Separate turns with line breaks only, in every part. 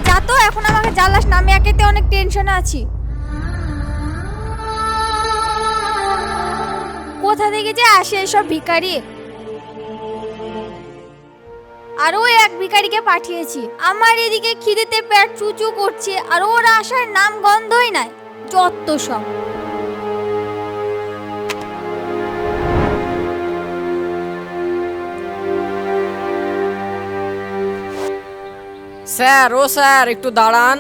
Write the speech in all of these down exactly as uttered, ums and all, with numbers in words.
যা তো, এখন আমাকে জ্বালাস না, আমি একেতে অনেক টেনশনে আছি। কোথা থেকে যে আসে এসব ভিখারি। আরো এক ভিখারিকে পাঠিয়েছি। আমার এদিকে খিদেতে পেট চুচু করছে, আর ওর আসার নাম গন্ধই নাই। যত সব।
স্যার, ও স্যার, একটু দাঁড়ান।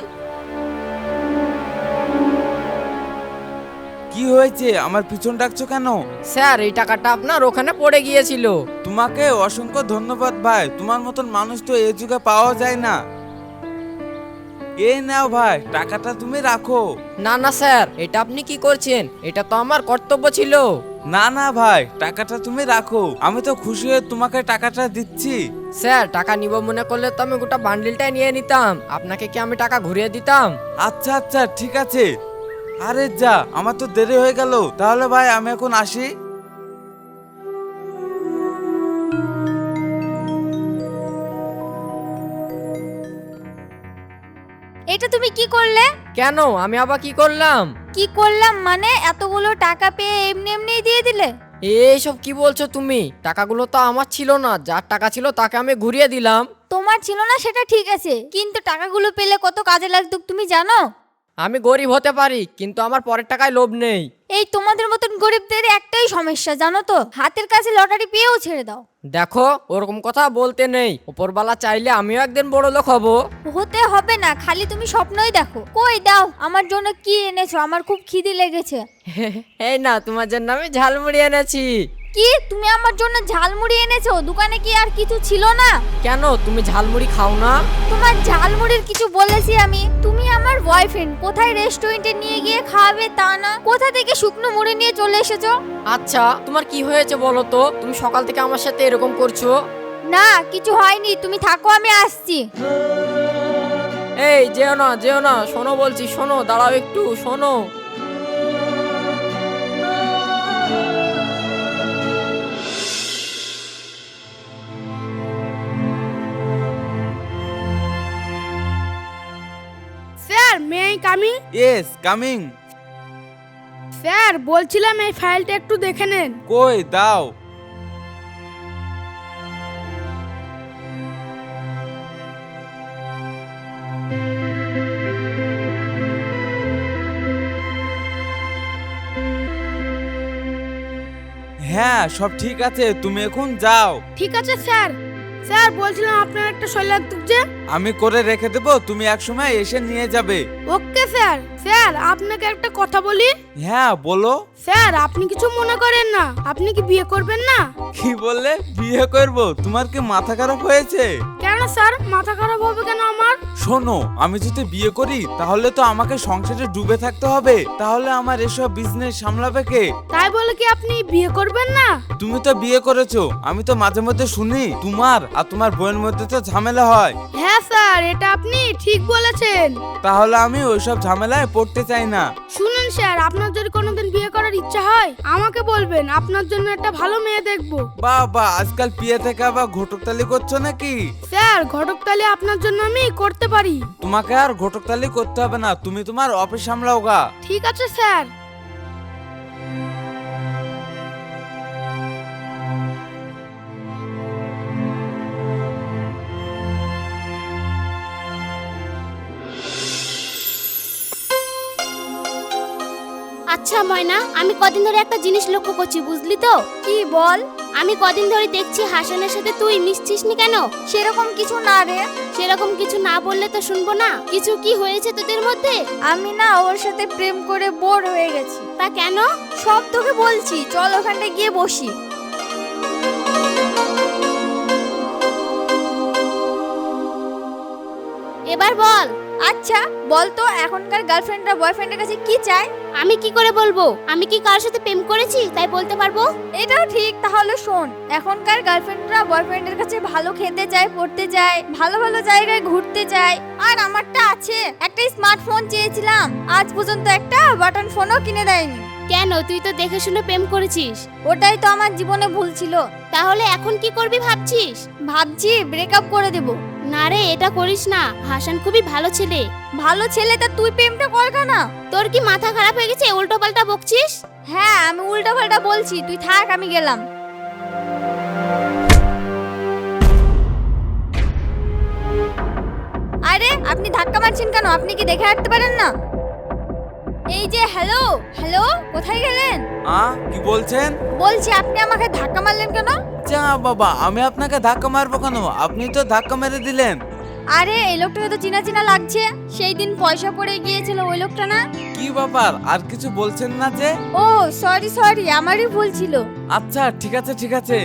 কি হয়েছে? আমার পিছন ডাকছো কেন?
স্যার, এই টাকাটা আপনার ওখানে পড়ে গিয়েছিল।
তোমাকে অসংখ্য ধন্যবাদ ভাই, তোমার মতন মানুষ তো এই যুগে পাওয়া যায় না। এই নাও ভাই, টাকাটা তুমি রাখো।
না না স্যার, এটা আপনি কি করছেন? এটা তো আমার কর্তব্য ছিল।
না না ভাই, টাকাটা তুমি রাখো, আমি তো খুশি হয়ে তোমাকে টাকাটা দিচ্ছি।
স্যার, টাকা নিব মনে করলে তো আমি গোটা বান্ডিলটাই নিয়ে নিতাম। আপনাকে কি আমি টাকা ঘুরিয়ে দিতাম?
আচ্ছা আচ্ছা ঠিক আছে। আরে যা, আমার তো দেরি হয়ে গেল। তাহলে ভাই আমি এখন আসি।
এটা তুমি কি করলে?
কেন, আমি আবার কি করলাম?
কি করলাম মানে, এতগুলো টাকা পেয়ে এমনি এমনি দিয়ে দিলে?
এইসব কি বলছো তুমি? টাকাগুলো তো আমার ছিল না, যার টাকা ছিল তাকে আমি ঘুরিয়ে দিলাম।
তোমার ছিল না সেটা ঠিক আছে, কিন্তু টাকাগুলো পেলে কত কাজে লাগতো তুমি জানো?
আমি গরিব হতে পারি, কিন্তু আমার পরের টাকায় লোভ নেই।
এই তোমাদের মতন গরিবদের একটাই সমস্যা জানো তো, হাতের কাছে লটারি পেয়েও ছেড়ে দাও।
দেখো, ওরকম কথা বলতে নেই। উপরবালা চাইলে আমিও একদিন বড় লোক হব।
হতে হবে না, খালি তুমি স্বপ্নই দেখো। কই দাও, আমার জন্য কি এনেছো? আমার খুব খিদে লেগেছে।
এই না, তোমার জন্য আমি ঝালমুড়ি এনেছি।
কি, তুমি আমার জন্য ঝালমুড়ি এনেছো? দোকানে কি আর কিছু ছিল না?
কেন, তুমি ঝালমুড়ি খাও না?
তোমার ঝালমুড়ির কিছু বলেছি আমি? তুমি আমার বয়ফ্রেন্ড, কোথায় রেস্টুরেন্টে নিয়ে গিয়ে খাওয়াবে তা না, কোথা থেকে শুকনো মুড়ি নিয়ে চলে এসেছো।
আচ্ছা, তোমার কি হয়েছে বলো তো? তুমি সকাল থেকে আমার সাথে এরকম করছো।
না, কিছু হয়নি, তুমি থাকো, আমি আসছি।
এই যেও না, যেও না, শোনো বলছি, শোনো, দাঁড়াও একটু, শোনো।
Sir, may I coming?
Yes coming.
Sir, বলছিলাম এই ফাইলটা একটু দেখে নেন।
কই দাও। হ্যাঁ সব ঠিক আছে, তুমি এখন যাও।
ঠিক আছে স্যার। স্যার, বলছিলাম আপনার একটা শৈলাক যে।
আমি করে রেখে দেবো, তুমি এক সময় এসে নিয়ে যাবে।
Okay sir. স্যার, আপনাকে একটা কথা বলি।
হ্যাঁ বলো।
স্যার, আপনি কিছু মনে করেন না, আপনি কি বিয়ে করবেন না?
কি বললে? বিয়ে করব? তোমার কি মাথা খারাপ হয়েছে?
কেন স্যার, মাথা খারাপ হবে কেন আমার?
শোনো, আমি যদি বিয়ে করি তাহলে তো আমাকে সংসারে ডুবে থাকতে হবে, তাহলে আমার এসব বিজনেস সামলাবে কে?
তাই বলে কি আপনি বিয়ে করবেন না?
তুমি তো বিয়ে করেছো, আমি তো মাঝে মধ্যে শুনি তোমার আর তোমার বোনের মধ্যে তো ঝামেলা হয়।
হ্যাঁ স্যার, এটা আপনি ঠিক বলেছেন।
তাহলে আমি ওইসব ঝামেলায় পড়তে চাই না।
শুনুন স্যার, আপনার যদি কোনোদিন বিয়ে করার ইচ্ছা হয় আমাকে বলবেন, আপনার জন্য একটা ভালো মেয়ে দেখবো।
বাবা, আজকাল বিয়ে থেকে আবার ঘটকতালি করছো নাকি?
স্যার, ঘটকতালি আপনার জন্য আমি করতে পারি।
তোমাকে আর ঘটকতালি করতে হবে না, তুমি তোমার অফিস সামলাও গা।
ঠিক আছে স্যার।
আচ্ছা ময়না, আমি কদিন ধরে একটা জিনিস লক্ষ্য করছি, বুঝলি তো?
কি বল?
আমি কদিন ধরে দেখছি হাসানের সাথে তুই মিশছিস নি কেন?
সেরকম কিছু না রে।
সেরকম কিছু না বললে তো শুনবো না। কিছু কি হয়েছে তোদের মধ্যে?
আমি না ওর সাথে প্রেম করে বোর হয়ে গেছি।
তা কেন?
সব তোকে বলছি, চল ওখানটা গিয়ে বসি।
এবার বল।
আচ্ছা বল তো, এখনকার গার্লফ্রেন্ডরা বয়ফ্রেন্ডের কাছে কি চায়?
আমি কি করে বলবো? আমি কি কারোর সাথে প্রেম করেছি তাই বলতে পারবো?
এটাও ঠিক, তাহলে শোন, এখনকার গার্লফ্রেন্ডরা বয়ফ্রেন্ডের কাছে ভালো খেতে চায়, পড়তে চায়, ভালো ভালো জায়গায় ঘুরতে চায়। আর আমারটা আছে, একটা স্মার্টফোন চেয়েছিলাম, আজ পর্যন্ত একটা বাটন ফোনও কিনে দেয়নি।
কেন, তুই তো দেখে শুনে প্রেম করেছিস।
ওটাই তো আমার জীবনে ভুল ছিল।
তাহলে এখন কি করবি ভাবছিস?
ভাবছি ব্রেকআপ করে দেব।
না রে, এটা করিস না। হাসান খুবই ভালো ছেলে।
ভালো ছেলে, তা তুই প্রেমটা কর না।
তোর কি মাথা খারাপ হয়ে গেছে? উল্টো পাল্টা বকছিস।
হ্যাঁ, আমি উল্টা পাল্টা বলছি, তুই থাক, আমি গেলাম। আরে আপনি ধাক্কা মারছেন কেন? আপনি কি দেখে হাঁটতে পারেন না? এই যে হ্যালো হ্যালো, কোথায় গেলেন?
আ কি বলছেন?
বলছি আপনি আমাকে ধাক্কা মারলেন কেন?
যা বাবা, আমি আপনাকে ধাক্কা মারবো কেন? আপনি তো ধাক্কা মেরে দিলেন।
আরে এই লোকটাকে তো চিনা চিনা লাগছে। সেই দিন পয়সা পড়ে গিয়েছিল ওই লোকটা না?
কি ব্যাপার, আর কিছু বলছেন না যে?
ও সরি সরি, আমারই ভুল ছিল।
আচ্ছা ঠিক আছে ঠিক আছে।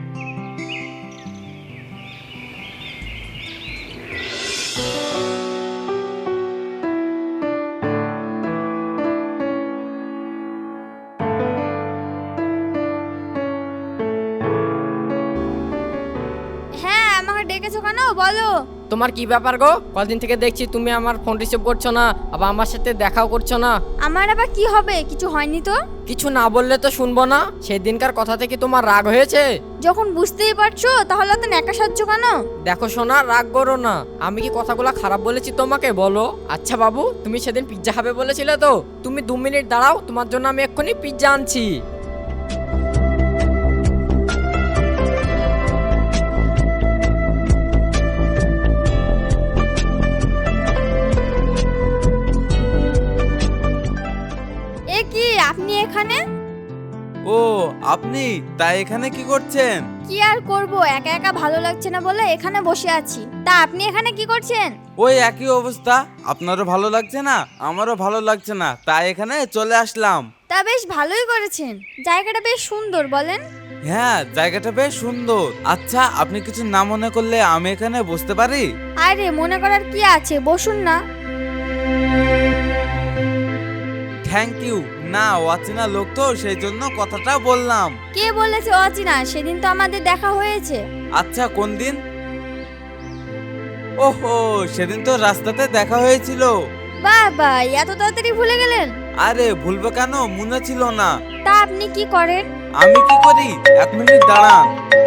হ্যাঁ, আমাকে ডেকেছো কেন বলো?
তোমার কি ব্যাপার গো? কদিন থেকে দেখছি তুমি আমার ফোন রিসিভ করছো না, আবার আমার সাথে দেখাও করছো না।
আমার আবার কি হবে? কিছু হয়নি তো।
কিছু না বললে তো শুনবো না। সেই দিনকার কথা থেকে তোমার রাগ হয়েছে?
যখন বুঝতেই পারছো তাহলে তো ন্যাকা সাজছ কেন?
দেখো সোনা, রাগ করো না। আমি কি কথাগুলো খারাপ বলেছি তোমাকে বলো? আচ্ছা বাবু, তুমি সেদিন পিৎজা খাবে বলেছিলে তো? তুমি দু মিনিট দাঁড়াও, তোমার জন্য আমি এক্ষুনি পিৎজা আনছি।
এ কি, আপনি এখানে?
ও আপনি, তাই এখানে কি করছেন?
কি আর করব, একা একা ভালো লাগছে না বলে এখানে বসে আছি। তা আপনি এখানে কি করছেন?
ওই একই অবস্থা, আপনারও ভালো লাগছে না, আমারও ভালো লাগছে না, তাই এখানে চলে আসলাম।
তা বেশ ভালোই করেছেন। জায়গাটা বেশ সুন্দর, বলেন?
হ্যাঁ, জায়গাটা বেশ সুন্দর। আচ্ছা, আপনি কিছু না মনে করলে আমি এখানে বসতে পারি?
আরে মনে করার কি আছে, বসুন না।
Thank you. না, অচেনা লোক তো, সেই জন্য কথাটা বললাম।
কে বলেছে অচিনা? সেদিন তো আমাদের দেখা হয়েছে।
আচ্ছা, কোন দিন? ওহো, সেদিন তো রাস্তাতে দেখা হয়েছিল।
বাবা, এত তাড়াতাড়ি ভুলে গেলেন?
আরে ভুলবো কেন, মনে ছিল না।
তা আপনি কি করেন?
আমি কি করি? এক মিনিট দাঁড়ান।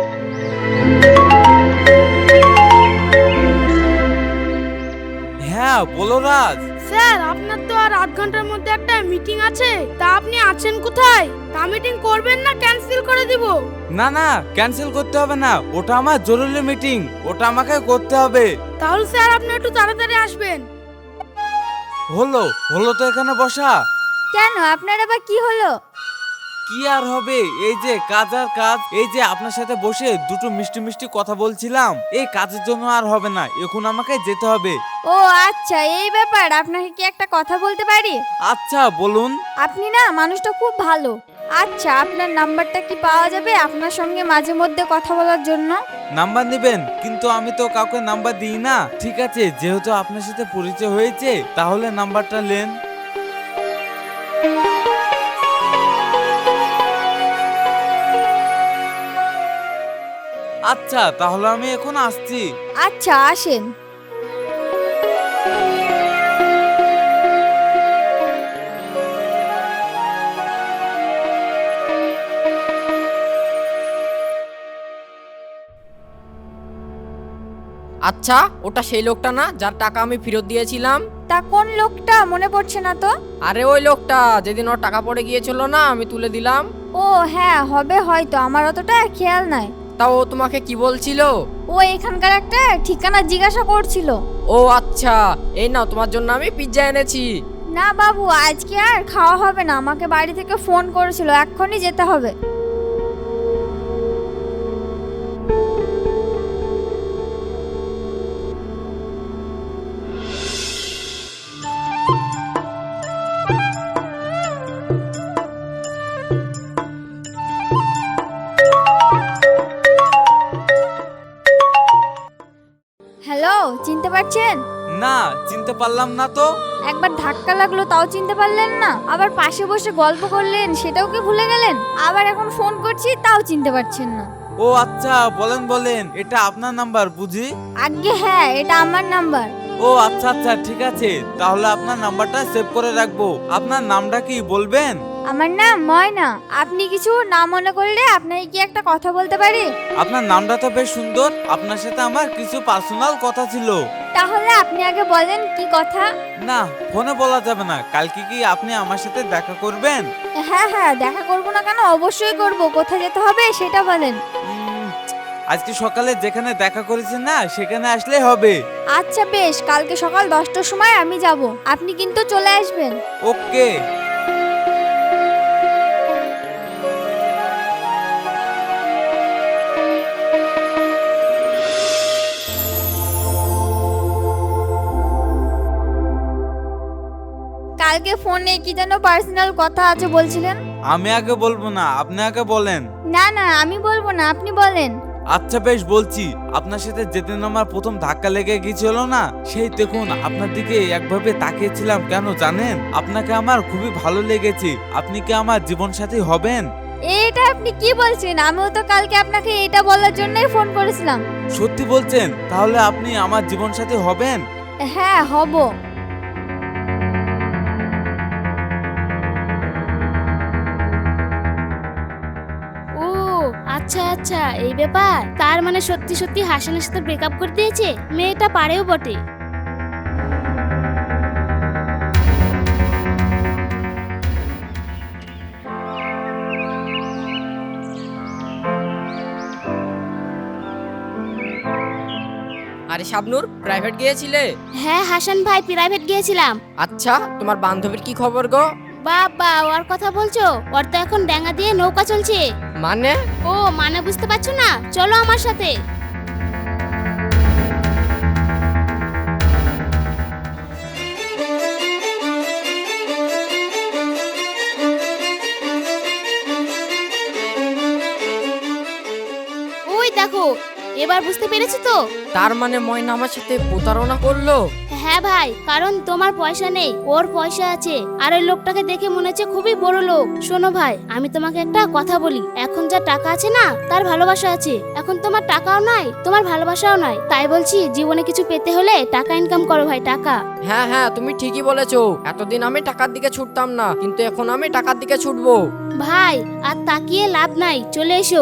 হ্যাঁ বলো রাজ।
স্যার, আপনার তো আর আধ ঘন্টার মধ্যে একটা মিটিং আছে। তা আপনি আছেন কোথায়? তা মিটিং করবেন না ক্যান্সেল করে দিব?
না না, ক্যান্সেল করতে হবে না, ওটা আমার জরুরি মিটিং, ওটা আমাকে করতে হবে।
তাহলে স্যার আপনি একটু তাড়াতাড়ি আসবেন।
হলো হলো তো এখানে বসা।
কেন, আপনার আবার কি হলো?
কি আর হবে, এই যে কাজ আর কাজ। এই যে আপনার সাথে বসে দুটো মিষ্টি মিষ্টি কথা বলছিলাম, এই কাজের জন্য আর হবে না, এখন আমাকে যেতে হবে।
ও আচ্ছা, এই ব্যাপার। আপনাকে কি একটা কথা বলতে পারি?
আচ্ছা বলুন।
আপনি না মানুষটা খুব ভালো। আচ্ছা, আপনার নাম্বারটা কি পাওয়া যাবে আপনার সঙ্গে মাঝে মধ্যে কথা বলার জন্য?
নাম্বার নেবেন? কিন্তু আমি তো কাউকে নাম্বার দিই না। ঠিক আছে, যেহেতু আপনার সাথে পরিচয় হয়েছে, তাহলে নাম্বারটা নেন। আচ্ছা, তাহলে আমি এখন আসছি।
আচ্ছা, আসেন।
আচ্ছা, ওটা সেই লোকটা না যার টাকা আমি ফেরত দিয়েছিলাম?
তা কোন লোকটা মনে পড়ছে না তো।
আরে ওই লোকটা, যেদিন ওর টাকা পড়ে গিয়েছিল না, আমি তুলে দিলাম।
ও হ্যাঁ, হবে হয়তো, আমার অতটা খেয়াল নাই।
তা ও তোমাকে কি বলছিল?
ও এখানকার একটা ঠিকানা জিজ্ঞাসা করছিল।
ও আচ্ছা, এই নাও, তোমার জন্য আমি পিৎজা এনেছি।
না বাবু, আজকে আর খাওয়া হবে না, আমাকে বাড়ি থেকে ফোন করেছিল, এক্ষুনি যেতে হবে। হ্যালো, চিনতে পারছেন?
না, চিনতে পারলাম না তো।
একবার ধাক্কা লাগলো তাও চিনতে পারলেন না? আবার পাশে বসে গল্প করলেন সেটাও কি ভুলে গেলেন? আবার এখন ফোন করছি তাও চিনতে পারছেন না?
ও আচ্ছা, বলেন বলেন, এটা আপনার নাম্বার বুঝি?
আজ্ঞে হ্যাঁ, এটা আমার নাম্বার।
ও আচ্ছা আচ্ছা, ঠিক আছে, তাহলে আপনার নাম্বারটা সেভ করে রাখবো। আপনার নামটা কি বলবেন?
আমার নাম ময়না। আপনি কিছু না মনে করলে আপনাকে কি একটা কথা বলতে পারি?
আপনার নামটা তো বেশ সুন্দর, আপনার সাথে আমার কিছু পার্সোনাল কথা ছিল।
তাহলে আপনি আগে বলেন কি কথা।
না, ফোনে বলা যাবে না। কালকে কি আপনি আমার সাথে দেখা করবেন?
হ্যাঁ হ্যাঁ, দেখা করবো না কেন, অবশ্যই করব। কোথায় যেতে হবে সেটা বলেন।
উম, আজকে সকালে যেখানে দেখা করেছেন না, সেখানে আসলে হবে।
আচ্ছা বেশ, কালকে সকাল দশটার সময় আমি যাব, আপনি কিন্তু চলে আসবেন।
ওকে।
কালকে ফোনে কি যেন পার্সোনাল কথা আছে বলছিলেন?
আমি আগে বলবো না, আপনি আগে বলেন।
না না, আমি বলবো না, আপনি বলেন।
আচ্ছা বেশ, বলছি। আপনার সাথে যেদিন আমার প্রথম ধাক্কা লেগে গিয়েছিল না, সেই দেখুন আপনার দিকে একভাবে তাকিয়েছিলাম, কেন জানেন? আপনাকে আমার খুবই ভালো লেগেছে। আপনি কি আমার জীবন সাথী হবেন?
এটা আপনি কি বলছেন? আমিও তো কালকে আপনাকে এটা বলার জন্যই ফোন করেছিলাম।
সত্যি বলছেন? তাহলে আপনি আমার জীবন সাথী হবেন?
হ্যাঁ হব।
ও আচ্ছা আচ্ছা, এই ব্যাপার। তার মানে সত্যি সত্যি হাসানের সাথে ব্রেকআপ করে দিয়েছে। মেয়েটা পারেও বটে।
আরে শাবনূর, প্রাইভেট গিয়েছিলে?
হ্যাঁ হাসান ভাই, প্রাইভেট গিয়েছিলাম।
আচ্ছা, তোমার বান্ধবীর কি খবর গো?
বাবা, ওর কথা বলছো? ওর তো এখন ডেঙ্গা দিয়ে নৌকা চলছে।
মানে?
ও মানে বুঝতে পারছো না? চলো আমার সাথে। ওই দেখো, এবার বুঝতে পেরেছো তো?
তার মানে ময়না আমার সাথে প্রতারণা করলো?
হ্যাঁ ভাই, কারণ তোমার পয়সা নেই, ওর পয়সা আছে। আর ওই লোকটাকে দেখে মনে হচ্ছে খুবই বড় লোক। শোনো ভাই, আমি তোমাকে একটা কথা বলি। এখন যা টাকা আছে না, তার ভালোবাসা আছে। এখন তোমার টাকাও নাই, তোমার ভালোবাসাও নাই। তাই বলছি, জীবনে কিছু পেতে হলে টাকা ইনকাম করো ভাই, টাকা।
হ্যাঁ হ্যাঁ, তুমি ঠিকই বলেছো। এতদিন আমি টাকার দিকে ছুটতাম না, কিন্তু এখন আমি টাকার দিকে ছুটবো।
ভাই আর তাকিয়ে লাভ নাই, চলে এসো।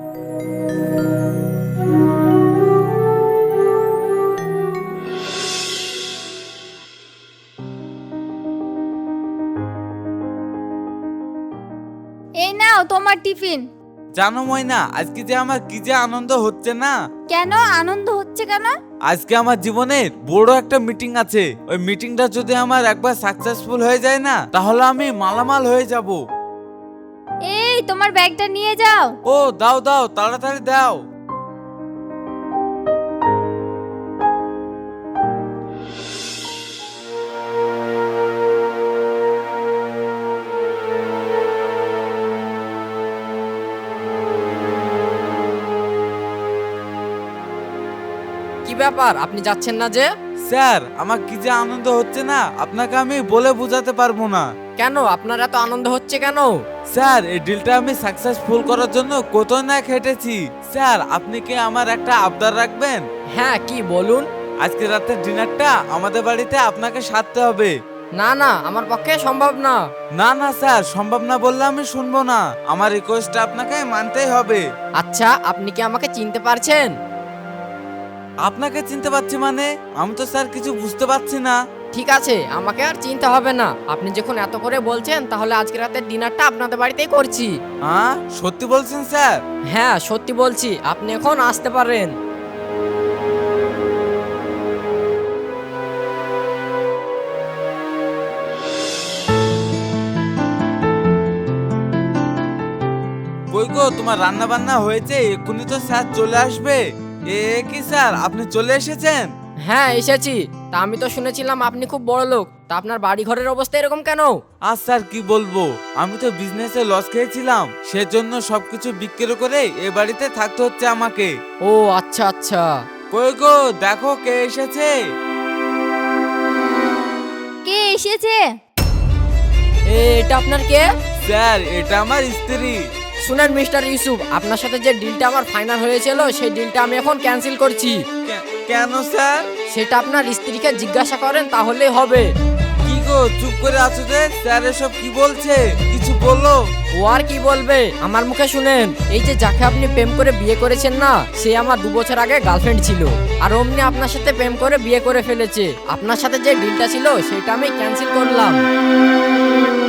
এই নাও তোমার টিফিন।
জানো ময়না, আজকে যে আমার কি যে আনন্দ হচ্ছে না।
কেন আনন্দ হচ্ছে কেন?
আজকে আমার জীবনের বড় একটা মিটিং আছে। ওই মিটিংটা যদি আমার একবার সাকসেসফুল হয়ে যায় না, তাহলে আমি মালামাল হয়ে যাব।
এই তোমার ব্যাগটা নিয়ে যাও।
ও দাও দাও, তাড়াতাড়ি দাও।
কি ব্যাপার, আপনি যাচ্ছেন না যে?
স্যার, আমার কি যে আনন্দ হচ্ছে না, আপনাকে আমি বলে বোঝাতে পারবো না।
কেন, আপনার এত আনন্দ হচ্ছে কেন?
স্যার, এই ডিলটা আমি সাকসেসফুল করার জন্য কত না খেটেছি। স্যার, আপনি কি আমার একটা আবদার রাখবেন?
হ্যাঁ, কি বলুন?
আজকে রাতের ডিনারটা আমাদের বাড়িতে আপনাকে সারতে হবে।
না না, আমার পক্ষে সম্ভব না।
না না স্যার, সম্ভব না বললে আমি শুনবো না। আমার রিকোয়েস্টটা আপনাকে মানতেই হবে।
আচ্ছা, আপনি কি আমাকে চিনতে পারছেন?
আপনাকে চিনতে পারছি মানে? আমি তো স্যার কিছু বুঝতে পারছি না।
ঠিক আছে, আমাকে আর চিনতে হবে না। আপনি যখন এত করে বলছেন, তাহলে আজকে রাতের ডিনারটা আপনাদের বাড়িতেই করছি।
হ্যাঁ, সত্যি বলছেন স্যার?
হ্যাঁ, সত্যি বলছি। আপনি এখন আসতে পারেন।
কই গো, তোমার রান্না বান্না হয়েছে? এক্ষুনি তো স্যার চলে আসবে। এ কি স্যার, আপনি চলে এসেছেন?
হ্যাঁ, এসেছি। তা আমি তো শুনেছিলাম আপনি খুব বড় লোক। তা আপনার বাড়ি ঘরের অবস্থা এরকম কেন?
আর স্যার কি বলবো, আমি তো বিজনেসে লস খেয়েছিলাম, সেজন্য সবকিছু বিক্রি করে এ বাড়িতে থাকতে হচ্ছে আমাকে।
ও আচ্ছা আচ্ছা।
কই গো, দেখো কে এসেছে।
কে এসেছে?
এ, এটা আপনার কে?
স্যার, এটা আমার স্ত্রী।
শুনেন মিস্টার ইউসুফ, আপনার সাথে যে ডিলটা আমার ফাইনাল হয়েছিল, সেই ডিলটা আমি এখন ক্যান্সেল করছি।
কে- কেন স্যার?
সেটা আপনার স্ত্রীকে জিজ্ঞাসা করেন, তাহলেই হবে।
কি গো, গো চুপ করে আছো যে? স্যার এসব কি বলছে, কিছু বললো?
ও আর কি বলবে, আমার মুখে শুনেন। এই যে যাকে আপনি প্রেম করে বিয়ে করেছেন না, সে আমার দু বছর আগে গার্লফ্রেন্ড ছিল, আর অমনি আপনার সাথে প্রেম করে বিয়ে করে ফেলেছে। আপনার সাথে যে ডিলটা ছিল সেটা আমি ক্যান্সেল করলাম।